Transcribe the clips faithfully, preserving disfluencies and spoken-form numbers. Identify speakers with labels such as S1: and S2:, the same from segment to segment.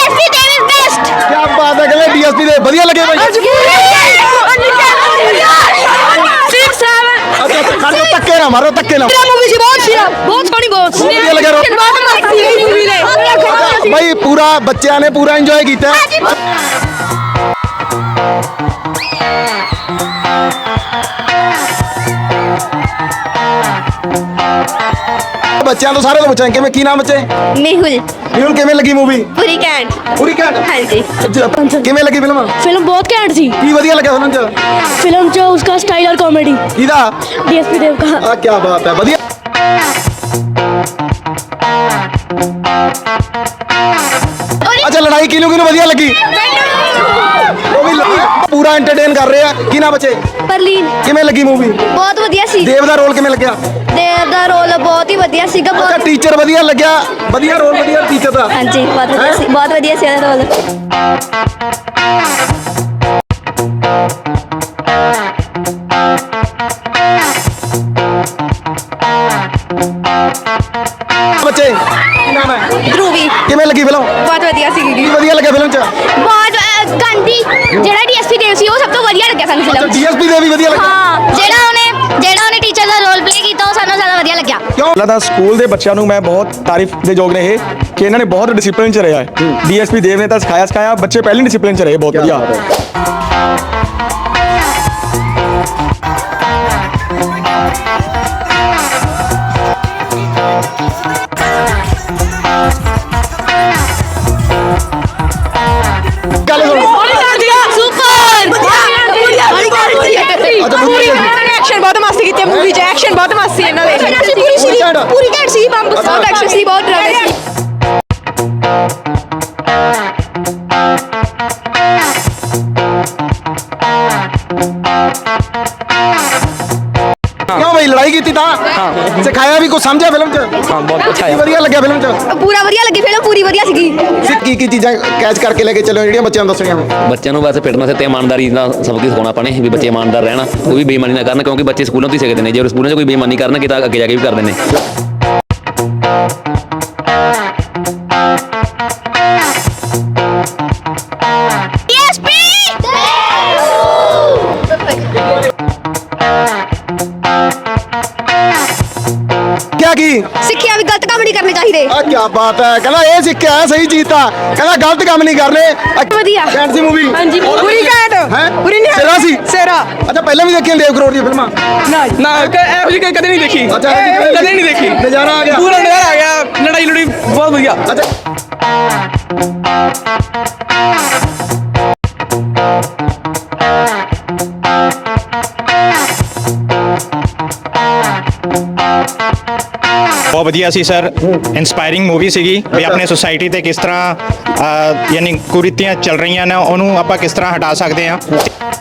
S1: DSP Dev is best.
S2: क्या बात है, कहले डीएसपी दे ਵਧੀਆ ਲੱਗੇ ਬਾਈ। अच्छा अच्छा धक्के ना मारो, धक्के ना
S1: मूवी सी बहुत सी बहुत सोहनी बहुत
S2: ਵਧੀਆ ਲੱਗਾ
S1: मूवी ने
S2: भाई। पूरा बच्चों ने पूरा इंजॉय किया। बच्चों तो सारे तो पूछा कि की नाम बच्चे?
S1: मेहुल।
S2: मेहुल किवें लगी मूवी?
S1: पूरी कैंट
S2: पूरी कैंट।
S1: हाँ जी।
S2: किवें लगी फिल्म?
S3: फिल्म बहुत कैंट थी।
S2: की वधिया लगा फिल्म च?
S3: फिल्म जो उसका स्टाइल और कॉमेडी
S2: किदा?
S3: डीएसपी देव का।
S2: आ क्या बात है, वधिया। अच्छा लड़ाई किनू किनू वधिया लगी? वो भी पूरा एंटरटेन कर रहे हैं। की नाम बच्चे?
S1: परलीन।
S2: किवें लगी मूवी?
S1: बहुत वधिया सी।
S2: देव दा रोल किवें लग्या?
S1: देव दा रोल बहुत ही वधिया सीगा।
S2: अच्छा
S1: बहुत
S2: टीचर वधिया लग्या? वधिया रोल वधिया टीचर दा?
S1: हाँ जी बहुत वधिया सी, बहुत वधिया सी रोल।
S2: बच्चे की नाम है?
S1: ध्रुवी।
S2: किवें लगी फिल्म?
S1: बहुत वधिया सी।
S2: की वधिया लगा फिल्म च?
S1: बहुत ਗਾਂਧੀ ਜਿਹੜਾ ਡੀਐਸਪੀ ਦੇਵ ਸੀ ਉਹ ਸਭ ਤੋਂ ਵਧੀਆ ਲੱਗਿਆ ਸਾਨੂੰ ਫਿਲਮ।
S2: ਡੀਐਸਪੀ ਦੇ ਵੀ ਵਧੀਆ ਲੱਗਾ।
S1: ਹਾਂ ਜਿਹੜਾ ਉਹਨੇ ਜਿਹੜਾ ਉਹਨੇ ਟੀਚਰ ਦਾ ਰੋਲ ਪਲੇ ਕੀਤਾ ਉਹ ਸਾਨੂੰ ਜ਼ਿਆਦਾ ਵਧੀਆ ਲੱਗਿਆ।
S2: ਕਿਉਂ?
S4: ਪਹਿਲਾਂ ਤਾਂ ਸਕੂਲ ਦੇ ਬੱਚਿਆਂ ਨੂੰ ਮੈਂ ਬਹੁਤ ਤਾਰੀਫ ਦੇ ਯੋਗ ਨੇ ਇਹ ਕਿ ਇਹਨਾਂ ਨੇ ਬਹੁਤ ਡਿਸਪਲਿਨ 'ਚ ਰਿਹਾ ਹੈ। ਡੀਐਸਪੀ ਦੇਵ ਨੇ ਤਾਂ ਸਿਖਾਇਆ ਸਿਖਾਇਆ, ਬੱਚੇ ਪਹਿਲੇ ਡਿਸਪਲਿਨ 'ਚ ਰਹੇ, ਬਹੁਤ ਵਧੀਆ।
S2: ਗੱਲ ਸੁਣੋ।
S5: एक्शन बहुत मस्त की मूवी च एक्शन बहुत मस्त सी इन्हां दे
S1: पूरी सीरीज पूरी घैंट ਸੀ ਬੰਬ ਬਹੁਤ ਐਕਸ਼ਨ ਸੀ ਬਹੁਤ ਡਰਾਮਾ ਸੀ।
S2: क्यों भाई लड़ाई की थी ता? हाँ। सिखाया भी कुछ समझा फिल्म च?
S4: ਹਾਂ ਬਹੁਤ ਅੱਛਾ
S2: की वधिया लग्या फिल्म च?
S1: ਪੂਰਾ ਵਧੀਆ ਲੱਗੀ ਫਿਲਮ ਪੂਰੀ ਵਧੀਆ ਸੀਗੀ।
S2: की की चीज़ां कैच करके लेके चलो ਜਿਹੜੀਆਂ ਬੱਚਿਆਂ ਨੂੰ ਦੱਸਣੀਆਂ?
S6: ਬੱਚਿਆਂ ਨੂੰ ਵੈਸੇ ਫਿਟਨੈਸ ਤੇ ਇਮਾਨਦਾਰੀ ਦਾ ਸਬਕ ਹੀ ਸਿਖਾਉਣਾ ਆਪਾਂ ਨੇ ਵੀ ਬੱਚੇ ਇਮਾਨਦਾਰ ਰਹਿਣ, ਕੋਈ ਵੀ ਬੇਈਮਾਨੀ ਨਾ ਕਰਨ, ਕਿਉਂਕਿ ਬੱਚੇ ਸਕੂਲਾਂ ਤੋਂ ਹੀ ਸਿੱਖਦੇ ਨੇ। ਜੇ ਉਹ ਸਕੂਲਾਂ 'ਚ ਕੋਈ ਬੇਈਮਾਨੀ ਕਰਨਗੇ ਤਾਂ ਅੱਗੇ ਜਾ ਕੇ ਵੀ ਕਰਦੇ ਨੇ।
S2: क्या की?
S1: ਸਿੱਖਿਆ ਵੀ ਗਲਤ ਕੰਮ ਨਹੀਂ ਕਰਨੇ ਚਾਹੀਦੇ।
S2: आ क्या बात है, कहना ये सीखा है सही चीज था, कहना गलत काम नहीं करने।
S1: ਵਧੀਆ।
S2: Can't see movie?
S5: हाँ जी पूरी कैंट
S2: हैं?
S5: पूरी नहीं
S2: सिरा सी?
S5: सेरा
S2: अच्छा पहले भी देखी देव करोड़ दी फिल्म?
S5: ना ना ਇਹੋ ਜਿਹੀ ਕਦੇ ਨਹੀਂ ਦੇਖੀ
S2: अच्छा
S5: ਕਦੇ ਨਹੀਂ ਦੇਖੀ।
S2: नजारा आ गया
S5: ਪੂਰਾ ਨਜ਼ਾਰਾ ਆ ਗਿਆ, ਲੜਾਈ ਲੜੀ ਬਹੁਤ ਵਧੀਆ।
S2: अच्छा
S7: ਬਹੁਤ ਵਧੀਆ ਸੀ ਸਰ, ਇਨਸਪਾਇਰਿੰਗ ਮੂਵੀ ਸੀਗੀ ਵੀ ਆਪਣੇ ਸੋਸਾਇਟੀ ਤੇ ਕਿਸ ਤਰ੍ਹਾਂ ਅ, ਯਾਨੀ ਕੁਰੀਤੀਆਂ ਚੱਲ ਰਹੀਆਂ ਨੇ ਉਹਨੂੰ ਆਪਾਂ ਕਿਸ ਤਰ੍ਹਾਂ ਹਟਾ ਸਕਦੇ ਹਾਂ।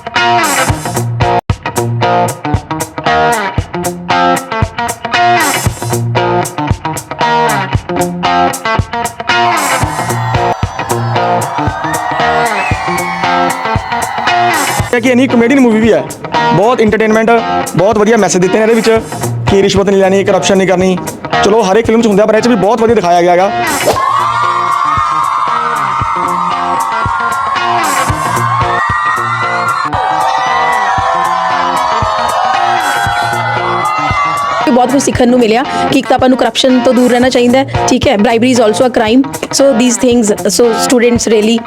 S4: ਕਿ ਇਨੀ ਕਮੇਡੀਅਨ ਮੂਵੀ ਵੀ ਹੈ, ਬਹੁਤ ਇੰਟਰਟੇਨਮੈਂਟ, ਬਹੁਤ ਵਧੀਆ ਮੈਸੇਜ ਦਿੱਤੇ ਨੇ ਇਹਦੇ ਵਿੱਚ ਕਿ ਰਿਸ਼ਵਤ ਨਹੀਂ ਲੈਣੀ, ਕਰਪਸ਼ਨ ਨਹੀਂ ਕਰਨੀ। ਚਲੋ ਹਰ ਇੱਕ ਫਿਲਮ 'ਚ ਹੁੰਦਾ, ਪਰ ਇਹ 'ਚ ਵੀ ਬਹੁਤ ਵਧੀਆ ਦਿਖਾਇਆ ਗਿਆ ਹੈਗਾ।
S3: ਬਹੁਤ ਕੁਝ ਸਿੱਖਣ ਨੂੰ ਮਿਲਿਆ ਕਿ ਇੱਕ ਤਾਂ ਆਪਾਂ ਨੂੰ ਕਰਪਸ਼ਨ ਤੋਂ ਦੂਰ ਰਹਿਣਾ ਚਾਹੀਦਾ ਹੈ, ਠੀਕ ਹੈ। Bribery is also a crime, so these things, so students really.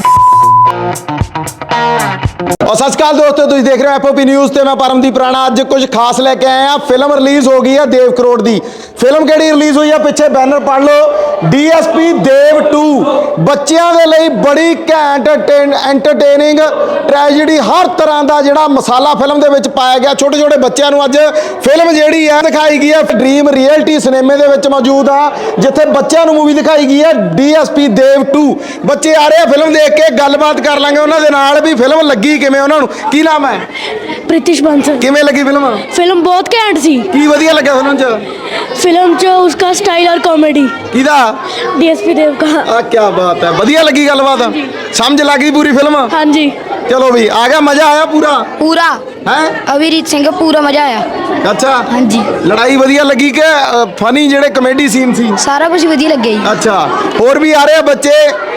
S2: और सत श्री अकाल दोस्तों, तुम देख रहे हो एफओपी न्यूज़ ਤੇ मैं परमदीप राणा। ਅੱਜ ਕੁਝ ਖਾਸ ਲੈ ਕੇ ਆਏ ਆ। ਫਿਲਮ ਰਿਲੀਜ਼ ਹੋ ਗਈ ਹੈ ਦੇਵ ਕਰੋੜ ਦੀ। ਫਿਲਮ ਕਿਹੜੀ ਰਿਲੀਜ਼ ਹੋਈ ਹੈ? ਪਿੱਛੇ ਬੈਨਰ ਪੜ ਲਓ, ਡੀਐਸਪੀ ਦੇਵ ਟੂ। ਬੱਚਿਆਂ ਦੇ ਲਈ ਬੜੀ ਘੈਂਟ ਐਂਟਰਟੇਨਿੰਗ ਟ੍ਰੈਜੇਡੀ, ਹਰ ਤਰ੍ਹਾਂ ਦਾ ਜਿਹੜਾ ਮਸਾਲਾ ਫਿਲਮ ਦੇ ਵਿੱਚ ਪਾਇਆ ਗਿਆ। ਛੋਟੇ ਛੋਟੇ ਬੱਚਿਆਂ ਨੂੰ ਅੱਜ ਫਿਲਮ ਜਿਹੜੀ ਹੈ ਦਿਖਾਈ ਗਈ ਹੈ। ਡ੍ਰੀਮ ਰਿਐਲਿਟੀ ਸਿਨੇਮੇ ਦੇ ਵਿੱਚ ਮੌਜੂਦ ਆ, ਜਿੱਥੇ ਬੱਚਿਆਂ ਨੂੰ ਮੂਵੀ ਦਿਖਾਈ ਗਈ ਹੈ ਡੀਐਸਪੀ ਦੇਵ ਟੂ। ਬੱਚੇ ਆ ਰਹੇ ਆ ਫਿਲਮ ਦੇਖ ਕੇ, ਗੱਲਬਾਤ ਕਰ ਲਾਂਗੇ ਉਹਨਾਂ ਦੇ ਨਾਲ ਵੀ ਫਿਲਮ ਲੱਗੀ ਕਿਵੇਂ ਉਹਨਾਂ ਨੂੰ। ਕੀ ਨਾਮ ਹੈ?
S3: प्रीतिश बंसल।
S2: किवें लगी फिल्म?
S3: फिल्म बहुत कैंट थी।
S2: की वधिया लगा फिल्म च?
S3: फिल्म जो उसका स्टाइल और कॉमेडी
S2: किदा?
S3: डीएसपी देव का।
S2: आ क्या बात है, वधिया लगी गलबात, समझ लगी पूरी फिल्म?
S3: हाँ जी।
S2: चलो भी आ गया, मजा आया पूरा?
S1: पूरा
S2: है
S1: अभिजीत सिंह पूरा मजा आया।
S2: अच्छा
S1: हाँ जी।
S2: लड़ाई वधिया लगी के फनी जेड़े कॉमेडी सीन सी?
S1: सारा कुछ वधिया लग गया।
S2: अच्छा, और भी आ रहे हैं बच्चे,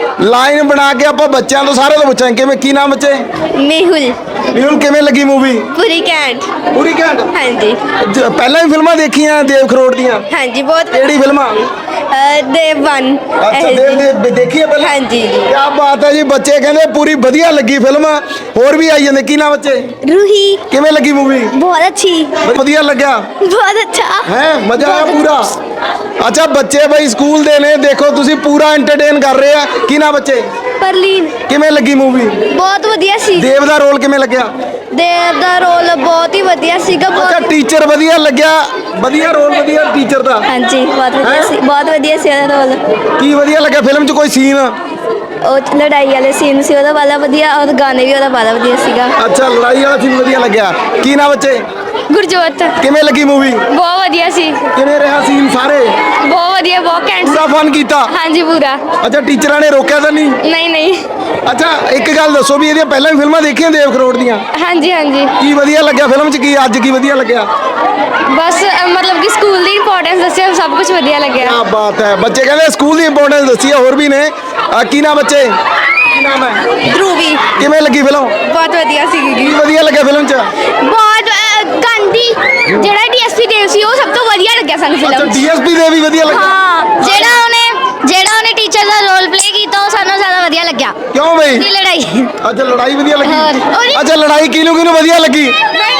S2: ਲਾਈਨ ਬਣਾ ਕੇ ਆਪਾਂ ਬੱਚਿਆਂ ਤੋਂ ਸਾਰੇ ਤੋਂ ਪੁੱਛਾਂਗੇ ਕਿਵੇਂ ਕੀ ਨਾਮ ਬੱਚੇ
S1: ਮੇਹੁਲ
S2: ਹੁਣ ਕਿਵੇਂ ਲੱਗੀ ਮੂਵੀ
S1: ਪੂਰੀ ਘੈਂਟ
S2: ਪੂਰੀ ਘੈਂਟ
S1: ਹਾਂਜੀ
S2: ਜ- ਪਹਿਲਾਂ ਵੀ ਫਿਲਮਾਂ ਦੇਖੀਆਂ ਦੇਵ ਖਰੋੜ ਦੀਆਂ
S1: ਹਾਂਜੀ ਬਹੁਤ
S2: ਕਿਹੜੀ ਫਿਲਮਾਂ
S1: ਅ, ਦੇਵ ਵਨ
S2: ਅੱਛਾ ਦੇਵ ਦੇ ਦੇਖੀਏ ਪਹਿਲਾਂ
S1: ਹਾਂਜੀ ਜੀ
S2: ਕੀ ਬਾਤ ਹੈ ਜੀ ਬੱਚੇ ਕਹਿੰਦੇ ਪੂਰੀ ਵਧੀਆ ਲੱਗੀ ਫਿਲਮ ਹੋਰ ਵੀ ਆਈ ਜਾਂਦੇ ਕੀ ਨਾਮ ਬੱਚੇ
S1: रूही
S2: ਕਿਵੇਂ ਲੱਗੀ ਮੂਵੀ
S1: बहुत अच्छी
S2: ਵਧੀਆ ਲੱਗਿਆ
S1: बहुत अच्छा
S2: ਹੈ ਮਜ਼ਾ ਆਇਆ ਪੂਰਾ ਅੱਛਾ ਬੱਚੇ ਬਈ ਸਕੂਲ ਦੇ ਨੇ ਦੇਖੋ ਤੁਸੀਂ ਪੂਰਾ ਐਂਟਰਟੇਨ ਕਰ ਰਹੇ ਆ ਕੀ ਨਾ ਬੱਚੇ
S1: परलीन
S2: ਕਿਵੇਂ ਲੱਗੀ ਮੂਵੀ
S1: बहुत ਵਧੀਆ ਸੀ
S2: ਦੇਵ ਦਾ ਰੋਲ ਕਿਵੇਂ ਲੱਗਿਆ
S1: ਦੇਵ ਦਾ ਰੋਲ ਬਹੁਤ ਹੀ ਵਧੀਆ ਸੀਗਾ
S2: ਅੱਛਾ
S1: ਬਹੁਤ
S2: ਟੀਚਰ ਵਧੀਆ ਲੱਗਿਆ ਵਧੀਆ ਰੋਲ ਵਧੀਆ ਟੀਚਰ ਦਾ
S1: ਹਾਂਜੀ ਬਹੁਤ ਵਧੀਆ ਸੀ ਬਹੁਤ ਵਧੀਆ ਸੀ ਉਹਦਾ ਰੋਲ
S2: ਕੀ ਵਧੀਆ ਲੱਗਿਆ ਫਿਲਮ 'ਚ ਕੋਈ ਸੀਨ
S1: ਉਹ ਲੜਾਈ ਵਾਲੇ ਸੀਨ ਸੀ ਉਹਦਾ ਵਾਲਾ ਵਧੀਆ ਔਰ ਗਾਣੇ ਵੀ ਉਹਦਾ ਵਾਲਾ ਵਧੀਆ ਸੀਗਾ
S2: ਅੱਛਾ ਲੜਾਈ ਵਾਲਾ ਸੀਨ ਵਧੀਆ ਲੱਗਿਆ ਕੀ ਨਾ ਬੱਚੇ
S1: ਗੁਰਜੋਤ
S2: ਕਿਵੇਂ ਲੱਗੀ ਮੂਵੀ
S1: ਬਹੁਤ ਵਧੀਆ ਸੀ
S2: ਕਿਵੇਂ ਰਿਹਾ ਸੀਨ ਸਾਰੇ
S1: ਬਹੁਤ ਵਧੀਆ ਬਹੁਤ ਘੈਂਟ
S2: ਪੂਰਾ ਫਨ ਕੀਤਾ
S1: ਹਾਂਜੀ ਪੂਰਾ
S2: ਅੱਛਾ ਟੀਚਰਾਂ ਨੇ ਰੋਕਿਆ ਤਾਂ ਨਹੀਂ
S1: ਨਹੀਂ ਨਹੀਂ
S2: ਅੱਛਾ ਇੱਕ ਗੱਲ ਦੱਸੋ ਵੀ ਇਹਦੀਆਂ ਪਹਿਲਾਂ ਵੀ ਫਿਲਮਾਂ ਦੇਖੀਆਂ ਦੇਵ ਖਰੋੜ ਦੀਆਂ
S1: ਹਾਂਜੀ ਹਾਂਜੀ
S2: ਕੀ ਵਧੀਆ ਲੱਗਿਆ ਫਿਲਮ 'ਚ ਕੀ ਅੱਜ ਕੀ ਵਧੀਆ ਲੱਗਿਆ
S1: ਬਸ ਅ, ਮਤਲਬ ਕਿ ਸਕੂਲ ਦੀ ਇੰਪੋਰਟੈਂਸ ਦੱਸਿਆ ਸਭ ਕੁਝ ਵਧੀਆ ਲੱਗਿਆ
S2: ਕੀ ਬਾਤ ਹੈ ਬੱਚੇ ਕਹਿੰਦੇ ਸਕੂਲ ਦੀ ਇੰਪੋਰਟੈਂਸ ਦੱਸੀ ਹੈ ਹੋਰ ਵੀ ਨੇ ਅਹ ਕੀ ਨਾਮ ਬੱਚੇ ਕੀ ਨਾਮ ਹੈ
S1: ਧਰੂਵੀ
S2: ਕਿਵੇਂ ਲੱਗੀ ਫਿਲਮ
S1: ਬਹੁਤ ਵਧੀਆ ਸੀਗੀ
S2: ਕੀ ਵਧੀਆ ਲੱਗਿਆ ਫਿਲਮ 'ਚ
S1: ਬਹੁਤ ਅ, ਗਾਂਧੀ ਜਿਹੜਾ ਡੀਐਸਪੀ ਦੇਵ ਸੀ ਉਹ ਸਭ ਤੋਂ ਵਧੀਆ ਲੱਗਿਆ ਸਾਨੂੰ
S2: ਅੱਛਾ
S1: ਫਿਲਮ
S2: ਡੀਐਸਪੀ ਦੇ ਵੀ ਵਧੀਆ ਲੱਗਿਆ
S1: ਹਾਂ ਜਿਹੜਾ ਉਹਨੇ ਜਿਹੜਾ ਉਹਨੇ ਟੀਚਰ ਦਾ ਰੋਲ ਪਲੇ ਕੀਤਾ ਉਹ ਸਾਨੂੰ ਜ਼ਿਆਦਾ ਵਧੀਆ ਲੱਗਿਆ
S2: ਕਿਉਂ ਬਈ
S1: ਦੀ ਲੜਾਈ
S2: ਅੱਛਾ ਲੜਾਈ ਵਧੀਆ
S1: ਹੋਰ,
S2: ਲੱਗੀ
S1: ਉਹਦੀ-
S2: ਅੱਛਾ ਲੜਾਈ ਕਿਹਨੂੰ ਕਿਹਨੂੰ ਵਧੀਆ ਲੱਗੀ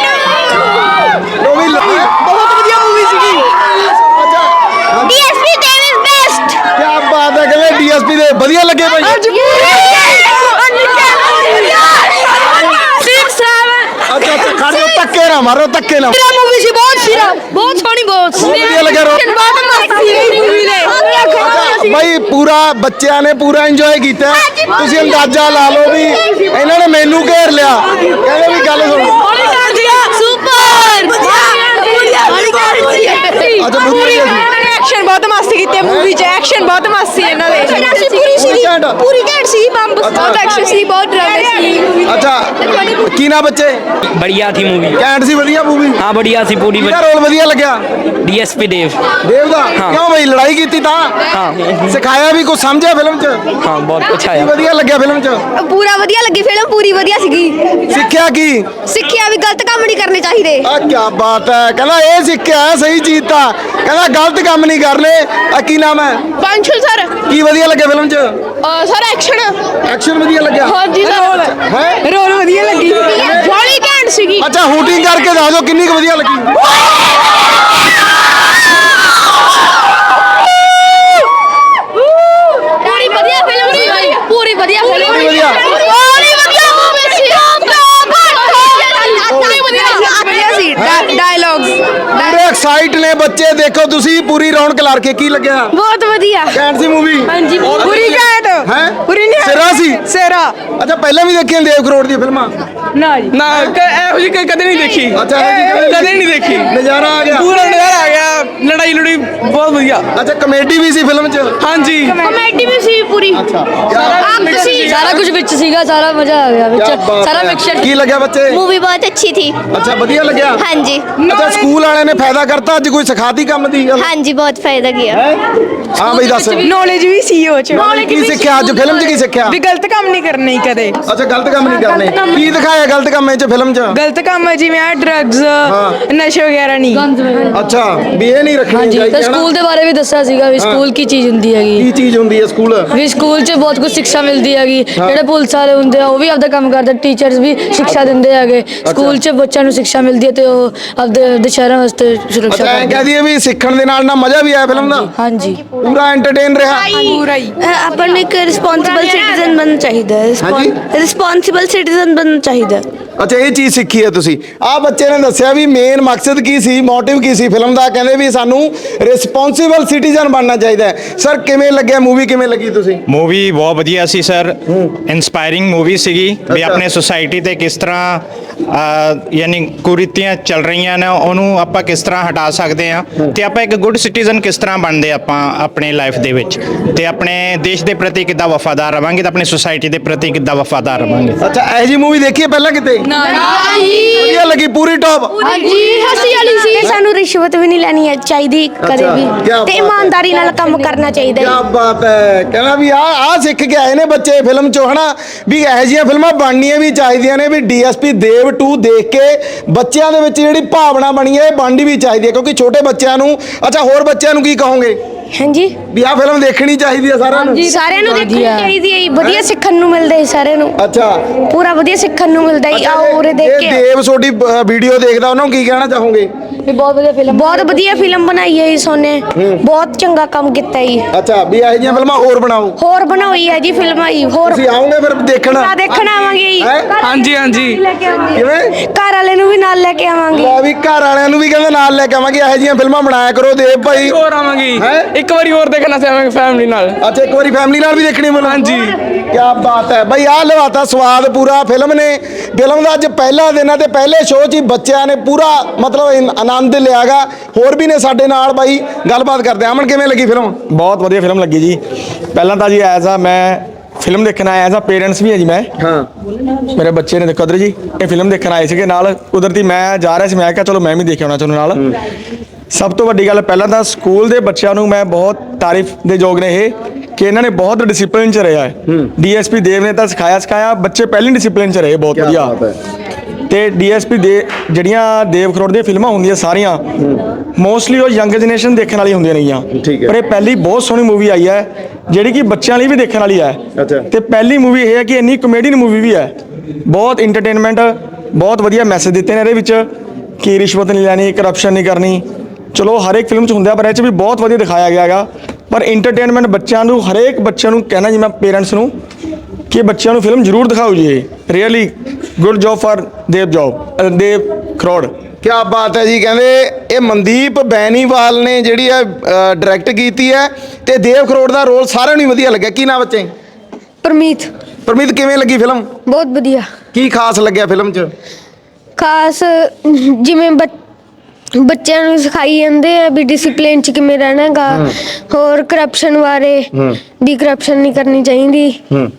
S2: ਉਹ ਵੀ ਲੱਗੀ
S5: ਬਹੁਤ ਵਧੀਆ ਮੂਵੀ ਸੀਗੀ
S2: ਅੱਛਾ
S1: ਡੀਐਸਪੀ ਦੇਵ ਇਜ਼ ਬੈਸਟ
S2: ਕੀ ਬਾਤ ਹੈ ਕਹਿੰਦੇ ਡੀਐਸਪੀ ਦੇ ਵਧੀਆ ਲੱਗੇ ਭਾਈ ਅੱਛਾ ਅੱਛਾ ਖੜ ਜਾਓ ਧੱਕੇ ਨਾ ਮਾਰੋ ਧੱਕੇ ਨਾ
S3: मूवी सी बहुत सीरा बहुत सोहनी बहुत
S2: ਬਹੁਤ ਵਧੀਆ ਲੱਗਿਆ ਰੋ
S3: बहुत मस्त सी मूवी ने
S2: ਭਾਈ ਪੂਰਾ ਬੱਚਿਆਂ ਨੇ ਪੂਰਾ ਇੰਜੋਏ ਕੀਤਾ ਤੁਸੀਂ ਅੰਦਾਜ਼ਾ ਲਾ ਲਓ ਵੀ ਇਹਨਾਂ ਨੇ ਮੈਨੂੰ ਘੇਰ ਲਿਆ ਕਹਿੰਦੇ ਵੀ ਗੱਲ ਸੁਣੋ ਅੱਛਾ ਬਹੁਤ ਵਧੀਆ ਸੀ
S5: ਐਕਸ਼ਨ ਬਹੁਤ ਮਸਤ ਕੀਤੇ ਮੂਵੀ 'ਚ ਐਕਸ਼ਨ ਬਹੁਤ ਮਸਤ ਸੀ ਇਹਨਾਂ ਦੇ
S2: ਪੂਰੀ ਸੀਗੀ
S1: ਪੂਰੀ ਘੈਂਟ ਸੀ ਬੰਬ
S2: ਬਹੁਤ
S1: ਐਕਸ਼ਨ ਸੀ ਬਹੁਤ ਡਰਾਮੇ ਸੀ
S2: ਅੱਛਾ ਕੀ ਨਾ ਬੱਚੇ
S8: बढ़िया थी मूवी
S2: ਕੈਂਟ ਸੀ ਵਧੀਆ ਮੂਵੀ
S8: हाँ बढ़िया थी पूरी
S2: ਕਿਹਦਾ ਰੋਲ ਵਧੀਆ ਲੱਗਿਆ
S8: डीएसपी देव
S2: ਦੇਵ ਦਾ ਕਿਉਂ ਬਈ ਲੜਾਈ ਕੀਤੀ ਤਾਂ
S8: हाँ
S2: ਸਿਖਾਇਆ ਵੀ ਕੁਝ ਸਮਝਿਆ ਫਿਲਮ 'ਚ
S8: हाँ बहुत अच्छा
S2: ਕੀ
S8: है
S2: ਵਧੀਆ ਲੱਗਿਆ ਫਿਲਮ 'ਚ
S1: ਪੂਰਾ ਵਧੀਆ ਲੱਗੀ ਫਿਲਮ ਪੂਰੀ ਵਧੀਆ ਸੀਗੀ
S2: ਸਿੱਖਿਆ ਕੀ
S1: ਸਿੱਖਿਆ ਵੀ ਗਲਤ ਕੰਮ ਨਹੀਂ ਕਰਨੇ ਚਾਹੀਦੇ
S2: ਆ ਕੀ ਬਾਤ ਹੈ ਕਹਿੰਦਾ ਇਹ ਸਿੱਖਿਆ ਹੈ ਸਹੀ ਚੀਜ਼ ਤਾਂ ਕਹਿੰਦਾ ਗਲਤ ਕੰਮ ਨਹੀਂ ਕਰਨੇ ਆ ਕੀ ਨਾਮ ਹੈ
S5: ਪੰਛਲ ਸਰ
S2: ਕੀ ਵਧੀਆ ਲੱਗਿਆ ਫਿਲਮ 'ਚ
S5: ਸਰ ਐਕਸ਼ਨ
S2: ਐਕਸ਼ਨ ਵਧੀਆ ਲੱਗਿਆ
S5: ਹਾਂਜੀ ਸਰ
S2: ਹੈ
S5: ਰੋਲ ਵਧੀਆ ਲੱਗੀ ਬੜੀ ਘੈਂਟ ਸੀਗੀ
S2: ਅੱਛਾ ਹੂਟਿੰਗ ਕਰਕੇ ਦੱਸ ਦਿਓ ਕਿੰਨੀ ਕੁ ਵਧੀਆ ਲੱਗੀ
S1: ਪੂਰੀ ਵਧੀਆ ਫਿਲਮ ਸੀ ਪੂਰੀ ਵਧੀਆ ਫਿਲਮ
S2: ਪੂਰੀ ਵਧੀਆ।
S1: ਪੂਰੀ ਵਧੀਆ ਮੂਵੀ ਸੀ ਪੂਰੀ ਵਧੀਆ ਸੀ
S5: ਡਾਇਲੌਗਸ
S2: ਪੂਰੇ ਐਕਸਾਈਟ ਨੇ ਬੱਚੇ ਦੇਖੋ ਤੁਸੀਂ ਪੂਰੀ ਰੌਣਕ ਲਾ ਕੇ ਕੀ ਲੱਗਿਆ
S1: ਬਹੁਤ ਵਧੀਆ
S2: ਕੈਂਟ ਸੀ ਮੂਵੀ
S5: ਹਾਂਜੀ ਪੂਰੀ ਘੈਂਟ
S2: ਹੈ
S5: ਪੂਰੀ ਨਹੀਂ
S2: ਸਿਰਾ ਸੀ
S5: ਸੇਰਾ
S2: ਅੱਛਾ ਪਹਿਲਾਂ ਵੀ ਦੇਖੀਆਂ ਦੇਵ ਕਰੋੜ ਦੀਆਂ ਫਿਲਮਾਂ
S5: ਨਾ ਜੀ ਨਾ ਇਹੋ ਜਿਹੀ ਕਦੇ ਨਹੀਂ ਦੇਖੀ
S2: ਅੱਛਾ ਇਹੋ ਜਿਹੀ
S5: ਕਦੇ ਨਹੀਂ ਦੇਖੀ
S2: ਨਜ਼ਾਰਾ ਆ ਗਿਆ
S5: ਪੂਰਾ ਨਜ਼ਾਰਾ ਆ ਗਿਆ ਲੜਾਈ ਲੜੀ ਬਹੁਤ ਵਧੀਆ
S2: ਅੱਛਾ ਕਮੇਡੀ ਵੀ ਸੀ ਫਿਲਮ 'ਚ
S5: ਹਾਂਜੀ
S1: ਕਮੇਡੀ ਵੀ ਸੀ ਪੂਰੀ
S2: ਕਿਆ
S1: ਸੀ
S3: ਸਾਰਾ ਕੁਝ ਵਿੱਚ ਸੀਗਾ ਸਾਰਾ ਮਜ਼ਾ ਆ ਗਿਆ
S2: ਕਿਆ
S3: ਵਿੱਚ
S2: ਬਾਤ
S3: ਸਾਰਾ
S2: ਹੈ।
S3: ਮਿਕਸਚਰ
S2: ਕੀ ਲੱਗਿਆ ਬੱਚੇ
S1: मूवी बहुत अच्छी थी
S2: ਅੱਛਾ ਵਧੀਆ ਲੱਗਿਆ
S1: हाँ जी
S2: ਅੱਛਾ ਸਕੂਲ ਵਾਲਿਆਂ ਨੇ ਫਾਇਦਾ ਕਰਤਾ ਅੱਜ ਕੋਈ ਸਿਖਾਤੀ ਕੰਮ ਦੀ ਗੱਲ
S1: हाँ जी बहुत फायदा किया
S2: ਹਾਂ ਬਈ ਦੱਸ
S5: ਨੌਲੇਜ ਵੀ ਸੀ ਉਹ ਚ
S2: ਕੀ ਸਿੱਖਿਆ ਅੱਜ ਫਿਲਮ 'ਚ ਕੀ ਸਿੱਖਿਆ
S5: ਵੀ ਗਲਤ ਕੰਮ ਨਹੀਂ ਕਰਨੇ ਕਦੇ
S2: ਅੱਛਾ ਗਲਤ ਕੰਮ ਨਹੀਂ ਕਰਨੇ ਕੀ ਦਿਖਾਇਆ ਗਲਤ ਕੰਮ ਇਹ 'ਚ ਫਿਲਮ 'ਚ
S5: ਗਲਤ ਕੰਮ ਜਿਵੇਂ ਆ ਡਰੱਗਸ ਨਸ਼ੇ ਵਗੈਰਾ ਨਹੀਂ
S2: ਅੱਛਾ ਵੀ ਇਹ ਨਹੀਂ ਰੱਖਣੀ
S3: ਹਾਂਜੀ
S2: ਚਾਹੀਦੀ
S3: ਤਾਂ
S2: ਹੈ ਨਾ?
S3: ਸਕੂਲ ਦੇ ਬਾਰੇ ਵੀ ਦੱਸਿਆ ਸੀਗਾ ਵੀ ਸਕੂਲ ਕੀ ਚੀਜ਼ ਹੁੰਦੀ ਹੈਗੀ
S2: ਕੀ ਚੀਜ਼ ਹੁੰਦੀ ਹੈ ਸਕੂਲ
S3: ਵੀ ਸਕੂਲ 'ਚ ਬਹੁਤ ਕੁਝ ਸਿੱਖਿਆ ਮਿਲਦੀ ਹੈਗੀ ਜਿਹੜੇ ਪੁਲਿਸ ਵਾਲੇ ਹੁੰਦੇ ਆ ਉਹ ਵੀ ਆਪਦਾ ਕੰਮ ਕਰਦੇ ਟੀਚਰਸ ਵੀ ਸਿੱਖਿਆ ਦਿੰਦੇ ਹੈਗੇ ਸਕੂਲ 'ਚ ਬੱਚਿਆਂ ਨੂੰ ਸਿੱਖਿਆ ਮਿਲਦੀ ਹੈ ਤੇ ਉਹ ਆਪਦੇ ਆਪਦੇ ਸ਼ਹਿਰਾਂ ਵਾਸਤੇ ਸੁਰੱਖਿਆ
S2: ਅੱਛਾ ਐਂ
S3: ਕਰਦੇ
S2: ਕਹਿ ਦਈਏ ਵੀ ਸਿੱਖਣ ਦੇ ਨਾਲ ਨਾ ਮਜ਼ਾ ਵੀ ਆਇਆ ਫਿਲਮ ਦਾ
S3: ਹਾਂਜੀ
S2: ਪੂਰਾ ਐਂਟਰਟੇਨ ਰਿਹਾ
S5: ਪੂਰਾ ਹੀ
S1: ਆਪਾਂ ਨੂੰ ਇੱਕ ਰਿਸਪੌਂਸਿਬਲ ਸਿਟੀਜ਼ਨ ਬਣਨਾ ਚਾਹੀਦਾ ਹੈ
S2: ਹਾਂਜੀ?
S1: ਰਿਸਪੌਂਸਿਬਲ ਸਿਟੀਜ਼ਨ ਬਣਨਾ ਚਾਹੀਦਾ ਹੈ
S2: ਅੱਛਾ ਇਹ ਚੀਜ਼ ਸਿੱਖੀ ਹੈ ਤੁਸੀਂ ਆਹ ਬੱਚੇ ਨੇ ਦੱਸਿਆ ਵੀ ਮੇਨ ਮਕਸਦ ਕੀ ਸੀ ਮੋਟਿਵ ਕੀ ਸੀ ਫਿਲਮ ਦਾ ਕਹਿੰਦੇ ਵੀ ਸਾਨੂੰ ਰਿਸਪੌਂਸਿਬਲ ਸਿਟੀਜ਼ਨ ਬਣਨਾ ਚਾਹੀਦਾ ਹੈ ਸਰ ਕਿਵੇਂ ਲੱਗਿਆ ਮੂਵੀ ਕਿਵੇਂ ਲੱਗੀ ਤੁਸੀਂ
S7: ਮੂਵੀ ਬਹੁਤ ਵਧੀਆ ਸੀ ਸਰ ਇਨਸਪਾਇਰਿੰਗ ਮੂਵੀ ਸੀਗੀ ਵੀ ਆਪਣੇ ਸੁਸਾਇਟੀ ਤੇ ਕਿਸ ਤਰ੍ਹਾਂ ਅਹ, ਯਾਨੀ ਕੁਰੀਤੀਆਂ ਚੱਲ ਰਹੀਆਂ ਨੇ ਉਹਨੂੰ ਆਪਾਂ ਕਿਸ ਤਰ੍ਹਾਂ ਹਟਾ ਸਕਦੇ ਆ ਤੇ ਆਪਾਂ ਇੱਕ ਗੁੱਡ ਸਿਟੀਜ਼ਨ ਕਿਸ ਤਰ੍ਹਾਂ ਬਣਦੇ ਆਪਾਂ ਆਪਣੇ ਲਾਈਫ ਦੇ ਵਿੱਚ ਤੇ ਆਪਣੇ ਦੇਸ਼ ਦੇ ਪ੍ਰਤੀ ਕਿੱਦਾਂ ਵਫਾਦਾਰ ਰਵਾਂਗੇ ਤੇ ਆਪਣੀ ਸੁਸਾਇਟੀ ਦੇ ਪ੍ਰਤੀ ਕਿੱਦਾਂ ਦਾ ਵਫਾਦਾਰ ਰਵਾਂਗੇ।
S2: ਅੱਛਾ ਇਹ ਜੀ ਮੂਵੀ ਦੇਖੀ ਹੈ ਪਹਿਲਾਂ ਕਿਤੇ? ਵਧੀਆ ਲੱਗੀ ਪੂਰੀ ਟੌਪ?
S1: ਹਾਂਜੀ ਹੱਸੀ ਵਾਲੀ ਸੀ।
S9: ਸਾਨੂੰ ਰਿਸ਼ਵਤ ਵੀ ਨਹੀਂ ਲੈਣੀ ਚਾਹੀਦੀ ਕਦੇ ਵੀ
S2: ਕਿਆ
S9: ਤੇ
S2: ਬਾਤ
S9: ਇਮਾਨਦਾਰੀ ਨਾਲ ਕੰਮ ਕਰਨਾ ਚਾਹੀਦਾ
S2: ਕੀ
S9: ਹੈ।
S2: ਬਾਤ ਹੈ। ਕਹਿੰਦਾ ਵੀ ਆ ਆ ਸਿੱਖ ਕੇ ਆਏ ਨੇ ਬੱਚੇ ਫਿਲਮ ਚੋਂ ਹਨਾ ਵੀ ਇਹੋ ਜਿਹੀਆਂ ਫਿਲਮਾਂ ਬਣਨੀਆਂ ਵੀ ਚਾਹੀਦੀਆਂ ਨੇ ਵੀ ਡੀਐਸਪੀ ਦੇਵ ਟੂ ਦੇਖ ਕੇ ਬੱਚਿਆਂ ਦੇ ਵਿੱਚ ਜਿਹੜੀ ਭਾਵਨਾ ਬਣੀ ਹੈ ਇਹ ਬਣਨੀ ਵੀ ਚਾਹੀਦੀ ਹੈ ਕਿਉਂਕਿ ਛੋਟੇ ਬੱਚਿਆਂ ਨੂੰ। ਅੱਛਾ ਹੋਰ ਬੱਚਿਆਂ ਨੂੰ ਕੀ ਕਹੋਗੇ
S9: ਹਾਂਜੀ
S2: ਵੀ ਆਹ ਫਿਲਮ ਦੇਖਣੀ ਚਾਹੀਦੀ ਹੈ ਸਾਰਿਆਂ ਨੂੰ?
S9: ਸਾਰਿਆਂ ਨੂੰ ਦੇਖਣੀ ਚਾਹੀਦੀ ਹੈ। ਵਧੀਆ ਸਿੱਖਣ ਨੂੰ ਮਿਲਦਾ ਹੈ ਸਾਰਿਆਂ ਨੂੰ।
S2: ਅੱਛਾ
S9: ਪੂਰਾ ਵਧੀਆ ਸਿੱਖਣ ਨੂੰ ਮਿਲਦਾ ਹੈ। ਆਓ ਉਰੇ ਦੇਖ
S2: ਜੇ
S9: ਕੇ
S2: ਦੇਵ ਤੁਹਾਡੀ ਵੀਡੀਓ ਦੇਖਦਾ ਉਹਨਾਂ ਨੂੰ ਕੀ ਕਹਿਣਾ ਚਾਹੋਗੇ?
S3: ਬਹੁਤ ਵਧੀਆ ਫਿਲਮ
S9: ਬਹੁਤ ਵਧੀਆ ਫਿਲਮ ਬਣਾਈ ਹੈ ਇਸ ਉਹਨੇ ਬਹੁਤ ਚੰਗਾ ਕੰਮ ਕੀਤਾ ਹੈ।
S2: ਅੱਛਾ ਵੀ ਇਹੋ ਜਿਹੀਆਂ ਫਿਲਮਾਂ ਹੋਰ ਬਣਾਓ।
S9: ਹੋਰ ਬਣਾਈ ਹੈ ਜੀ ਫਿਲਮਾਂ ਹੀ ਹੋਰ
S2: ਤੁਸੀਂ ਆਓਗੇ ਫਿਰ ਦੇਖਣ?
S9: ਤਾਂ ਦੇਖਣ ਆਵਾਂਗੇ ਜੀ।
S2: ਹੈਂ?
S9: ਹਾਂਜੀ ਹਾਂਜੀ
S2: ਕਿਵੇਂ
S9: ਘਰ ਵਾਲੇ ਨੂੰ ਵੀ ਨਾਲ ਲੈ ਕੇ ਆਵਾਂਗੇ।
S2: ਲੈ ਵੀ ਘਰ ਵਾਲਿਆਂ ਨੂੰ ਵੀ ਕਹਿੰਦੇ ਨਾਲ ਲੈ ਕੇ ਆਵਾਂਗੇ ਇਹੋ ਜਿਹੀਆਂ ਫਿਲਮਾਂ ਬਣਾਇਆ ਕਰੋ ਦੇਵ ਭਾਈ।
S8: ਹੋਰ ਆਵਾਂਗੀ
S2: ਹੈਂ?
S8: ਇੱਕ ਵਾਰੀ ਹੋਰ ਦੇਖਣਾ ਚਾਹਾਂਗੇ ਫੈਮਿਲੀ ਨਾਲ।
S2: ਅੱਛਾ ਇੱਕ ਵਾਰੀ ਫੈਮਿਲੀ ਨਾਲ ਵੀ ਦੇਖਣੀ ਮਿਲੂ?
S8: ਹਾਂਜੀ।
S2: ਕੀ ਬਾਤ ਹੈ ਬਈ ਆਹ ਲਵਾਤਾ ਸਵਾਦ ਪੂਰਾ ਫਿਲਮ ਨੇ। ਫਿਲਮ ਦਾ ਅੱਜ ਪਹਿਲਾ ਦਿਨ ਹੈ ਤੇ ਪਹਿਲੇ ਸ਼ੋਅ 'ਚ ਹੀ ਬੱਚਿਆਂ ਨੇ ਪੂਰਾ ਮਤਲਬ ਇਨ- ਆਨੰਦ ਲਿਆਗਾ। ਹੋਰ ਵੀ ਨੇ ਸਾਡੇ ਨਾਲ ਬਾਈ ਗੱਲਬਾਤ ਕਰਦੇ ਆ। ਅਮਨ ਕਿਵੇਂ ਲੱਗੀ ਫਿਲਮ?
S4: ਬਹੁਤ ਵਧੀਆ ਫਿਲਮ ਲੱਗੀ ਜੀ। ਪਹਿਲਾਂ ਤਾਂ ਜੀ ਐਜ਼ ਆ ਮੈਂ ਫਿਲਮ ਦੇਖਣ ਆਇਆ ਐਜ਼ ਆ ਪੇਰੈਂਟਸ ਵੀ ਹੈ ਜੀ ਮੈਂ।
S2: ਹਾਂ
S4: ਮੇਰੇ ਬੱਚੇ ਨੇ ਦੇਖੋ ਇੱਧਰ ਜੀ ਇਹ ਫਿਲਮ ਦੇਖਣ ਆਏ ਸੀਗੇ ਨਾਲ ਕੁਦਰਤੀ ਮੈਂ ਜਾ ਰਿਹਾ ਸੀ ਮੈਂ ਕਿਹਾ ਚਲੋ ਮੈਂ ਵੀ ਦੇਖ ਆਉਣਾ ਚਾਹੁੰਦਾ ਨਾਲ। ਸਭ ਤੋਂ ਵੱਡੀ ਗੱਲ ਪਹਿਲਾਂ ਤਾਂ ਸਕੂਲ ਦੇ ਬੱਚਿਆਂ ਨੂੰ ਮੈਂ ਬਹੁਤ ਤਾਰੀਫ ਦੇ ਯੋਗ ਨੇ ਇਹ ਕਿ ਇਹਨਾਂ ਨੇ ਬਹੁਤ ਡਿਸਪਲਿਨ 'ਚ ਰਿਹਾ ਹੈ। ਡੀਐਸਪੀ ਦੇਵ ਨੇ ਤਾਂ ਸਿਖਾਇਆ ਸਿਖਾਇਆ ਬੱਚੇ ਪਹਿਲੀ ਡਿਸਪਲਿਨ 'ਚ ਰਹੇ ਬਹੁਤ ਵਧੀਆ। ਤੇ ਡੀਐਸਪੀ ਦੇ ਜਿਹੜੀਆਂ ਦੇਵ ਖਰੋੜ ਦੀਆਂ ਫਿਲਮਾਂ ਹੁੰਦੀਆਂ ਸਾਰੀਆਂ ਮੋਸਟਲੀ ਉਹ ਯੰਗ ਜਨਰੇਸ਼ਨ ਦੇਖਣ ਵਾਲੀ ਹੁੰਦੀਆਂ ਨੇਗੀਆਂ
S2: ਠੀਕ ਹੈ।
S4: ਪਰ ਇਹ ਪਹਿਲੀ ਬਹੁਤ ਸੋਹਣੀ ਮੂਵੀ ਆਈ ਹੈ ਜਿਹੜੀ ਕਿ ਬੱਚਿਆਂ ਲਈ ਵੀ ਦੇਖਣ ਵਾਲੀ ਹੈ।
S2: ਅੱਛਾ।
S4: ਤੇ ਪਹਿਲੀ ਮੂਵੀ ਇਹ ਹੈ ਕਿ ਇੰਨੀ ਕਮੇਡੀਅਨ ਮੂਵੀ ਵੀ ਹੈ ਬਹੁਤ ਇੰਟਰਟੇਨਮੈਂਟ ਬਹੁਤ ਵਧੀਆ ਮੈਸੇਜ ਦਿੱਤੇ ਨੇ ਇਹਦੇ ਵਿੱਚ ਕਿ ਰਿਸ਼ਵਤ ਨਹੀਂ ਲੈਣੀ ਕਰਪਸ਼ਨ ਨਹੀਂ ਕਰਨੀ। ਚਲੋ ਹਰ ਇੱਕ ਫਿਲਮ 'ਚ ਹੁੰਦਾ ਪਰ ਇਹ 'ਚ ਵੀ ਬਹੁਤ ਵਧੀਆ ਦਿਖਾਇਆ ਗਿਆ ਹੈਗਾ। ਪਰ ਇੰਟਰਟੇਨਮੈਂਟ ਬੱਚਿਆਂ ਨੂੰ ਹਰੇਕ ਬੱਚਿਆਂ ਨੂੰ ਕਹਿਣਾ ਜੀ ਮੈਂ ਪੇਰੈਂਟਸ ਨੂੰ ਕਿ ਬੱਚਿਆਂ ਨੂੰ ਫਿਲਮ ਜ਼ਰੂਰ ਦਿਖਾਓ ਜੀ। ਇਹ really good job for Dev job Dev Kharoud.
S2: ਕੀ ਬਾਤ ਹੈ ਜੀ। ਕਹਿੰਦੇ ਇਹ ਮਨਦੀਪ ਬੈਨੀਵਾਲ ਨੇ ਜਿਹੜੀ ਹੈ ਡਾਇਰੈਕਟ ਕੀਤੀ ਹੈ ਤੇ ਦੇਵ ਖਰੋੜ ਦਾ ਰੋਲ ਸਾਰਿਆਂ ਨੂੰ ਹੀ ਵਧੀਆ ਲੱਗਿਆ। ਕੀ ਨਾਮ ਬੱਚੇ?
S9: ਪਰਮੀਤ
S2: ਪਰਮੀਤ ਕਿਵੇਂ ਲੱਗੀ ਫਿਲਮ?
S9: ਬਹੁਤ ਵਧੀਆ।
S2: ਕੀ ਖਾਸ ਲੱਗਿਆ ਫਿਲਮ 'ਚ?
S9: ਖਾਸ ਜਿਵੇਂ ਬੱਚ- ਬੱਚਿਆਂ ਨੂੰ ਸਿਖਾਈ ਜਾਂਦੇ ਆ ਵੀ ਡਿਸਪਲਿਨ ਚ ਕਿਵੇਂ ਰਹਿਣਾ ਹੈਗਾ। ਹੋਰ ਕਰਪਸ਼ਨ ਬਾਰੇ ਵੀ ਕਰਪਸ਼ਨ ਨਹੀਂ ਕਰਨੀ ਚਾਹੀਦੀ।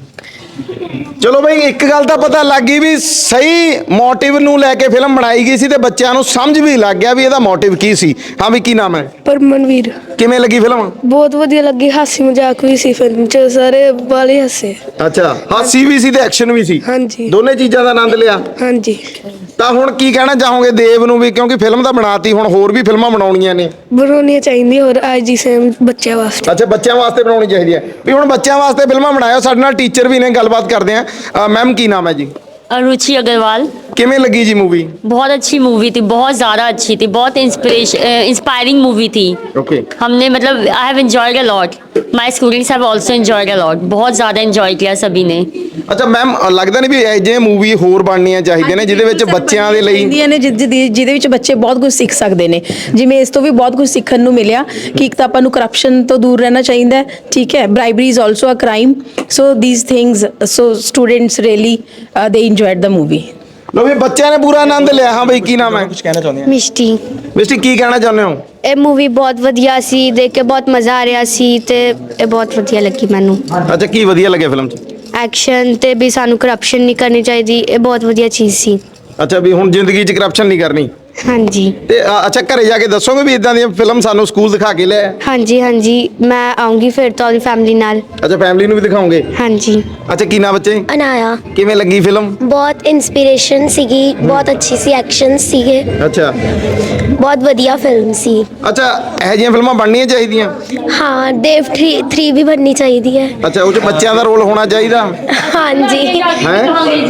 S2: ਚਲੋ ਬਈ ਇੱਕ ਗੱਲ ਤਾਂ ਪਤਾ ਲੱਗ ਗਈ ਵੀ ਸਹੀ ਮੋਟਿਵ ਨੂੰ ਲੈ ਕੇ ਫਿਲਮ ਬਣਾਈ ਗਈ ਸੀ ਤੇ ਬੱਚਿਆਂ ਨੂੰ ਸਮਝ ਵੀ ਲੱਗ ਗਿਆ ਵੀ ਇਹਦਾ ਮੋਟਿਵ ਕੀ ਸੀ। ਹਾਂ ਵੀ ਕੀ ਨਾਮ ਹੈ?
S9: ਪਰਮਨਵੀਰ।
S2: ਕਿਵੇਂ ਲੱਗੀ ਫਿਲਮ?
S9: ਬਹੁਤ ਵਧੀਆ ਲੱਗੀ। ਹਾਸੀ ਮਜ਼ਾਕ ਵੀ ਸੀ ਫਿਲਮ ਚ ਸਾਰੇ ਵਾਲੇ ਹੱਸੇ।
S2: ਅੱਛਾ ਹਾਸੀ ਵੀ ਸੀ ਤੇ ਐਕਸ਼ਨ ਵੀ ਸੀ।
S9: ਹਾਂਜੀ।
S2: ਦੋਨੇ ਚੀਜ਼ਾਂ ਦਾ ਆਨੰਦ ਲਿਆ।
S9: ਹਾਂਜੀ।
S2: ਤਾਂ ਹੁਣ ਕੀ ਕਹਿਣਾ ਚਾਹੋਗੇ ਦੇਵ ਨੂੰ ਵੀ ਕਿਉਂਕਿ ਫਿਲਮ ਤਾਂ ਬਣਾਤੀ ਹੁਣ ਹੋਰ ਵੀ ਫਿਲਮਾਂ ਬਣਾਉਣੀਆਂ ਨੇ?
S9: ਬਣਾਉਣੀਆਂ ਚਾਹੀਦੀਆਂ ਹੋਰ ਅੱਜ ਦੀ ਸੇਮ ਬੱਚਿਆਂ ਵਾਸਤੇ।
S2: ਅੱਛਾ ਬੱਚਿਆਂ ਵਾਸਤੇ ਬਣਾਉਣੀ ਚਾਹੀਦੀ ਹੈ ਵੀ ਹੁਣ ਬੱਚਿਆਂ ਵਾਸਤੇ ਫਿਲਮਾਂ ਬਣਾਇਓ। ਸਾਡੇ ਨਾਲ ਟੀਚਰ ਵੀ ਨੇ ਗੱਲਬਾਤ ਕਰਦੇ ਆ। ਮੈਮ ਕੀ ਨਾਮ ਹੈ ਜੀ?
S10: रुचि अग्रवाल।
S2: ਕਿਵੇਂ ਲੱਗੀ ਜੀ ਮੂਵੀ?
S10: बहुत अच्छी मूवी थी बहुत ज़्यादा अच्छी थी बहुत इंस्पिरेशन इंस्पायरिंग मूवी थी।
S2: ਓਕੇ।
S10: हमने मतलब I have enjoyed a lot my students have also enjoyed a lot बहुत ज़्यादा एंजॉय किया सभी ने।
S2: ਅੱਛਾ ਮੈਮ ਲੱਗਦਾ ਨਹੀਂ ਵੀ ਇਹ ਜਿਹੇ ਮੂਵੀ ਹੋਰ ਬਣਨੀਆਂ ਚਾਹੀਦੀਆਂ ਨੇ ਜਿਹਦੇ ਵਿੱਚ ਬੱਚਿਆਂ ਦੇ ਲਈ
S5: ਹੁੰਦੀਆਂ ਨੇ ਜਿ- ਜਿਹਦੀ- ਜਿਹਦੇ ਵਿੱਚ ਬੱਚੇ ਬਹੁਤ ਕੁਝ ਸਿੱਖ ਸਕਦੇ ਨੇ। ਜਿਵੇਂ ਇਸ ਤੋਂ ਵੀ ਬਹੁਤ ਕੁਝ ਸਿੱਖਣ ਨੂੰ ਮਿਲਿਆ ਕਿ ਇੱਕ ਤਾਂ ਆਪਾਂ ਨੂੰ ਕਰਪਸ਼ਨ ਤੋਂ ਦੂਰ ਰਹਿਣਾ ਚਾਹੀਦਾ ਹੈ। ਠੀਕ ਹੈ bribery is also a crime so these things so students really they enjoyed the movie.
S2: ਲੋ ਵੀ ਬੱਚਿਆਂ ਨੇ ਪੂਰਾ ਆਨੰਦ ਲਿਆ। ਹਾਂ ਬਈ ਕੀ ਨਾਮ ਹੈ?
S4: ਕੁਝ ਕਹਿਣਾ ਚਾਹੁੰਦੇ ਆ?
S9: ਮਿਸ਼ਟੀ।
S2: ਮਿਸਟਰ ਕੀ ਕਹਿਣਾ ਚਾਹੁੰਦੇ ਹੋ?
S1: ਇਹ ਮੂਵੀ ਬਹੁਤ ਵਧੀਆ ਸੀ ਦੇਖ ਕੇ ਬਹੁਤ ਮਜ਼ਾ ਆ ਰਿਹਾ ਸੀ ਤੇ ਇਹ ਬਹੁਤ ਵਧੀਆ ਲੱਗੀ ਮੈਨੂੰ।
S2: ਅੱਛਾ ਕੀ ਵਧੀਆ ਲੱਗਿਆ ਫਿਲਮ 'ਚ?
S1: ਐਕਸ਼ਨ ਤੇ ਵੀ ਸਾਨੂੰ ਕਰਪਸ਼ਨ ਨਹੀਂ ਕਰਨੀ ਚਾਹੀਦੀ ਇਹ ਬਹੁਤ ਵਧੀਆ ਚੀਜ਼ ਸੀ।
S2: ਅੱਛਾ ਵੀ ਹੁਣ ਜ਼ਿੰਦਗੀ 'ਚ ਕਰਪਸ਼ਨ ਨਹੀਂ ਕਰਨੀ।
S1: ਹਾਂਜੀ
S2: ਤੇ ਅ, ਅੱਛਾ ਘਰੇ ਜਾ ਕੇ ਦੱਸੋਗੇ ਵੀ ਇਦਾਂ ਦੀਆਂ ਫਿਲਮ ਸਾਨੂੰ ਸਕੂਲ ਦਿਖਾ ਕੇ ਲਿਆ?
S1: ਹਾਂਜੀ ਹਾਂਜੀ ਮੈਂ ਆਉਂਗੀ ਫਿਰ ਤੋਂ ਆਪਣੀ ਫੈਮਿਲੀ ਨਾਲ।
S2: ਅੱਛਾ ਫੈਮਿਲੀ ਨੂੰ ਵੀ ਦਿਖਾਓਗੇ?
S1: ਹਾਂਜੀ।
S2: ਅੱਛਾ ਕੀ ਨਾਮ ਬੱਚੇ?
S9: ਅਨਾਇਆ।
S2: ਕਿਵੇਂ ਲੱਗੀ ਫਿਲਮ?
S9: ਬਹੁਤ ਇਨਸਪੀਰੇਸ਼ਨ ਸੀਗੀ ਬਹੁਤ ਅੱਛੀ ਸੀ ਐਕਸ਼ਨ ਸੀਗੇ
S2: ਅੱਛਾ
S9: ਬਹੁਤ ਵਧੀਆ ਫਿਲਮ ਸੀ।
S2: ਅੱਛਾ ਇਹੋ ਜਿਹੀਆਂ ਫਿਲਮਾਂ ਬਣਨੀਆਂ ਚਾਹੀਦੀਆਂ?
S9: ਹਾਂ ਦੇਵ ਥ੍ਰੀ ਵੀ ਬਣਨੀ ਚਾਹੀਦੀ ਹੈ।
S2: ਅੱਛਾ ਉਹ 'ਚ ਬੱਚਿਆਂ ਦਾ ਰੋਲ ਹੋਣਾ ਚਾਹੀਦਾ
S9: ਹਾਂਜੀ।
S2: ਹੈ?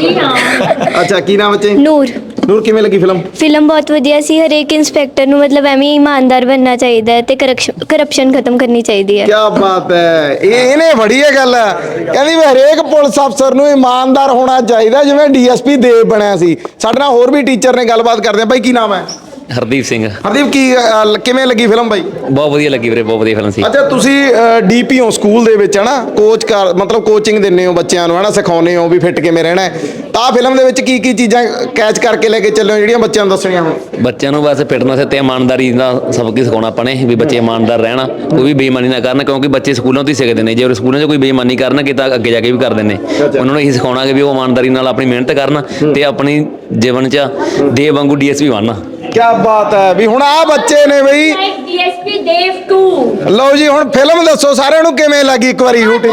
S2: ਅੱਛਾ ਕੀ ਨਾਮ ਬੱਚੇ?
S9: ਨੂਰ।
S2: ਨੂਰ ਕਿਵੇਂ ਲੱਗੀ ਫਿਲਮ?
S1: ਫਿਲਮ ਬਹੁਤ ਵਧੀਆ ਸੀ ਹਰੇਕ ਇੰਸਪੈਕਟਰ ਨੂੰ ਮਤਲਬ ਐਵੇਂ ਹੀ ਇਮਾਨਦਾਰ ਬਣਨਾ ਚਾਹੀਦਾ ਹੈ ਤੇ ਕਰਪਸ਼ਨ ਖਤਮ ਕਰਨੀ ਚਾਹੀਦੀ ਹੈ।
S2: ਕੀ ਬਾਤ ਹੈ। ਇਹ ਇਹਨੇ ਬੜੀ ਇਹ ਗੱਲ ਹੈ ਕਹਿੰਦੀ ਵੀ ਹਰੇਕ ਪੁਲਿਸ ਅਫਸਰ ਨੂੰ ਇਮਾਨਦਾਰ ਹੋਣਾ ਚਾਹੀਦਾ ਜਿਵੇਂ ਡੀਐਸਪੀ ਦੇਵ ਬਣਿਆ ਸੀ। ਸਾਡੇ ਨਾਲ ਹੋਰ ਵੀ ਟੀਚਰ ਨੇ ਗੱਲਬਾਤ ਕਰਦੇ ਆ। ਬਾਈ ਕੀ ਨਾਮ ਹੈ?
S6: ਹਰਦੀਪ ਸਿੰਘ।
S2: ਹਰਦੀਪ ਕੀ ਅ, ਕਿਵੇਂ ਲੱਗੀ ਫਿਲਮ ਬਾਈ?
S6: ਬਹੁਤ ਵਧੀਆ ਲੱਗੀ ਵੀਰੇ ਬਹੁਤ ਵਧੀਆ ਫਿਲਮ ਸੀ।
S2: ਅੱਛਾ ਤੁਸੀਂ ਡੀਪੀ ਹੋ ਸਕੂਲ ਦੇ ਵਿੱਚ ਹਨਾ ਕੋਚ ਕਰ ਮਤਲਬ ਕੋਚਿੰਗ ਦਿੰਦੇ ਹੋ ਬੱਚਿਆਂ ਨੂੰ ਹਨਾ ਸਿਖਾਉਂਦੇ ਹੋ ਵੀ ਫਿੱਟ ਕਿਵੇਂ ਰਹਿਣਾ ਹੈ ਤਾਂ ਫਿਲਮ ਦੇ ਵਿੱਚ ਕੀ ਕੀ ਚੀਜ਼ਾਂ ਕੈਚ ਕਰਕੇ ਲੈ ਕੇ ਚੱਲੇ ਹੋ ਜਿਹੜੀਆਂ ਬੱਚਿਆਂ ਨੂੰ ਦੱਸਣੀਆਂ ਹੁਣ?
S6: ਬੱਚਿਆਂ ਨੂੰ ਬਸ ਫਿਟਨੈਸ ਤੇ ਇਮਾਨਦਾਰੀ ਦਾ ਸਬਕ ਹੀ ਸਿਖਾਉਣਾ ਆਪਾਂ ਨੇ ਵੀ ਬੱਚੇ ਇਮਾਨਦਾਰ ਰਹਿਣ, ਕੋਈ ਵੀ ਬੇਈਮਾਨੀ ਨਾ ਕਰਨ, ਕਿਉਂਕਿ ਬੱਚੇ ਸਕੂਲਾਂ ਤੋਂ ਹੀ ਸਿੱਖਦੇ ਨੇ। ਜੇ ਉਹ ਸਕੂਲਾਂ 'ਚ ਕੋਈ ਬੇਈਮਾਨੀ ਕਰਨਗੇ ਤਾਂ ਅੱਗੇ ਜਾ ਕੇ ਵੀ ਕਰਦੇ ਨੇ। ਉਹਨਾਂ ਨੂੰ ਇਹੀ ਸਿਖਾਉਣਾ ਕਿ ਵੀ ਉਹ ਇਮਾਨਦਾਰੀ ਨਾਲ ਆਪਣੀ ਮਿਹਨਤ ਕਰਨ ਤੇ ਆਪਣੀ ਜੀਵਨ 'ਚ ਦੇਵ ਵਾਂਗੂ ਡੀਐਸਪੀ ਬਣਨ।
S2: ਕੀ ਬਾਤ ਹੈ ਵੀ ਹੁਣ ਆ ਬੱਚੇ ਨੇ ਬਈ
S10: ਡੀਐਸਪੀ ਦੇਵ ਟੂ।
S2: ਲਓ ਜੀ ਹੁਣ ਫਿਲਮ ਦੱਸੋ ਸਾਰਿਆਂ ਨੂੰ ਕਿਵੇਂ ਲੱਗੀ ਇੱਕ ਵਾਰੀ ਸ਼ੂਟਿੰਗ?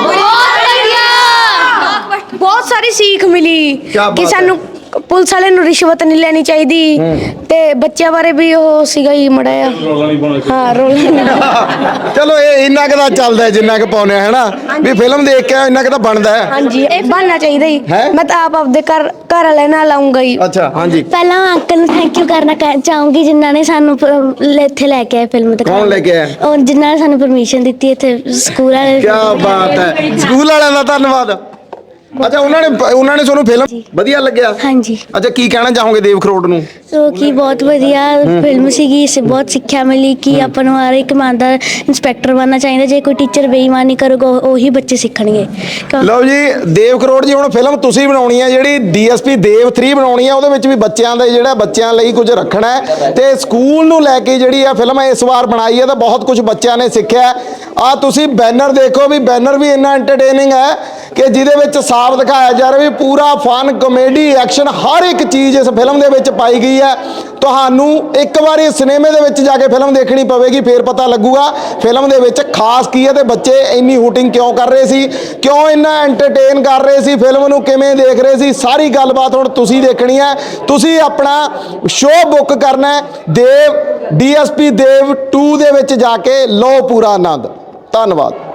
S9: ਬਹੁਤ ਸਾਰੀ ਸੀਖ ਮਿਲੀ
S2: ਕਿਆ ਬਾਤ
S9: ਕਿ
S2: ਹੈ।
S9: ਸਾਨੂੰ ਪੁਲਿਸ ਵਾਲੇ ਨੂੰ ਰਿਸ਼ਵਤ ਨਹੀਂ ਲੈਣੀ ਚਾਹੀਦੀ ਤੇ ਬੱਚਿਆਂ ਬਾਰੇ ਵੀ ਉਹ ਸੀਗਾ ਹੀ ਮੜਿਆ ਹਾਂ ਰੋਲ
S2: ਚਲੋ ਇਹ ਇੰਨਾ ਕੁ ਤਾਂ ਚੱਲਦਾ ਹੈ ਜਿੰਨਾ ਕੁ ਪਾਉਂਦੇ ਹੈ ਨਾ ਵੀ ਫਿਲਮ ਦੇਖ ਕੇ ਇੰਨਾ ਕੁ ਤਾਂ ਬਣਦਾ ਹੈ।
S9: ਹਾਂਜੀ ਇਹ ਬਣਨਾ ਚਾਹੀਦਾ ਹੀ।
S2: ਹੈਂ?
S9: ਮੈਂ ਤਾਂ ਆਪ ਆਪਦੇ ਘਰ ਘਰ ਵਾਲੇ ਨਾਲ ਆਉਂਗਾ ਹੀ।
S2: ਅੱਛਾ ਹਾਂਜੀ
S1: ਪਹਿਲਾਂ ਅੰਕਲ ਨੂੰ ਥੈਂਕ ਯੂ ਕਰਨਾ ਕਹਿ- ਚਾਹੂੰਗੀ ਜਿਨ੍ਹਾਂ ਨੇ ਸਾਨੂੰ ਪ- ਲ- ਇੱਥੇ ਲੈ ਕੇ ਆਏ ਫਿਲਮ ਦਿਖਾਉਣ।
S2: ਕੌਣ ਲੈ ਕੇ ਆਇਆ?
S1: ਉਹ ਜਿਨ੍ਹਾਂ ਨੇ ਸਾਨੂੰ ਪਰਮਿਸ਼ਨ ਦਿੱਤੀ ਇੱਥੇ ਸਕੂਲ ਵਾਲੇ।
S2: ਕੀ ਬਾਤ ਹੈ ਸਕੂਲ ਵਾਲਿਆਂ ਦਾ ਧੰਨਵਾਦ। ਅੱਛਾ ਉਹਨਾਂ ਨੇ ਉਹਨਾਂ ਨੇ ਤੁਹਾਨੂੰ ਫਿਲਮ ਵਧੀਆ ਲੱਗਿਆ?
S1: ਹਾਂਜੀ
S2: ਅੱਛਾ ਕੀ ਕਹਿਣਾ ਚਾਹੋਗੇ ਦੇਵ ਖਰੋੜ ਨੂੰ?
S1: ਸੋ ਕੀ ਬਹੁਤ ਵਧੀਆ ਫਿਲਮ ਸੀਗੀ। ਇਸ ਬਹੁਤ ਸਿੱਖਿਆ ਮਿਲੀ ਕਿ ਆਪਾਂ ਨੂੰ ਹਰ ਇੱਕ ਇਮਾਨਦਾਰ ਇੰਸਪੈਕਟਰ ਬਣਨਾ ਚਾਹੀਦਾ। ਜੇ ਕੋਈ ਟੀਚਰ ਬੇਈਮਾਨੀ ਕਰੂਗਾ ਉਹ- ਉਹੀ ਬੱਚੇ ਸਿੱਖਣਗੇ। ਕਿਉਂ-
S2: ਲਓ ਜੀ ਦੇਵ ਖਰੋੜ ਜੀ ਹੁਣ ਫਿਲਮ ਤੁਸੀਂ ਬਣਾਉਣੀ ਹੈ ਜਿਹੜੀ ਡੀਐਸਪੀ ਦੇਵ ਥ੍ਰੀ ਬਣਾਉਣੀ ਹੈ ਉਹਦੇ ਵਿੱਚ ਵੀ ਬੱਚਿਆਂ ਦਾ ਜਿਹੜਾ ਬੱਚਿਆਂ ਲਈ ਕੁਝ ਰੱਖਣਾ ਹੈ ਤੇ ਸਕੂਲ ਨੂੰ ਲੈ ਕੇ ਜਿਹੜੀ ਆ ਫਿਲਮ ਇਸ ਵਾਰ ਬਣਾਈ ਹੈ ਤਾਂ ਬਹੁਤ ਕੁਝ ਬੱਚਿਆਂ ਨੇ ਸਿੱਖਿਆ। ਆ ਤੁਸੀਂ ਬੈਨਰ ਦੇਖੋ ਵੀ ਬੈਨਰ ਵੀ ਇੰਨਾ ਐਂਟਰਟੇਨਿੰਗ ਹੈ ਕਿ ਜਿਹਦੇ ਵਿੱਚ ਸਾਫ਼ ਦਿਖਾਇਆ ਜਾ ਰਿਹਾ ਵੀ ਪੂਰਾ ਫਨ ਕਮੇਡੀ ਐਕਸ਼ਨ ਹਰ ਇੱਕ ਚੀਜ਼ ਇਸ ਫਿਲਮ ਦੇ ਵਿੱਚ ਪਾਈ ਗਈ ਹੈ। ਤੁਹਾਨੂੰ ਇੱਕ ਵਾਰੀ ਸਿਨੇਮੇ ਦੇ ਵਿੱਚ ਜਾ ਕੇ ਫਿਲਮ ਦੇਖਣੀ ਪਵੇਗੀ ਫੇਰ ਪਤਾ ਲੱਗੂਗਾ ਫਿਲਮ ਦੇ ਵਿੱਚ ਖਾਸ ਕੀ ਹੈ ਤੇ ਬੱਚੇ ਇੰਨੀ ਹੂਟਿੰਗ ਕਿਉਂ ਕਰ ਰਹੇ ਸੀ, ਕਿਉਂ ਇੰਨਾ ਐਂਟਰਟੇਨ ਕਰ ਰਹੇ ਸੀ, ਫਿਲਮ ਨੂੰ ਕਿਵੇਂ ਦੇਖ ਰਹੇ ਸੀ, ਸਾਰੀ ਗੱਲਬਾਤ ਹੁਣ ਤੁਸੀਂ ਦੇਖਣੀ ਹੈ। ਤੁਸੀਂ ਆਪਣਾ ਸ਼ੋਅ ਬੁੱਕ ਕਰਨਾ ਹੈ ਦੇਵ ਡੀਐਸਪੀ ਦੇਵ ਟੂ ਦੇ ਵਿੱਚ ਜਾ ਕੇ ਲਓ ਪੂਰਾ ਆਨੰਦ। ਧੰਨਵਾਦ।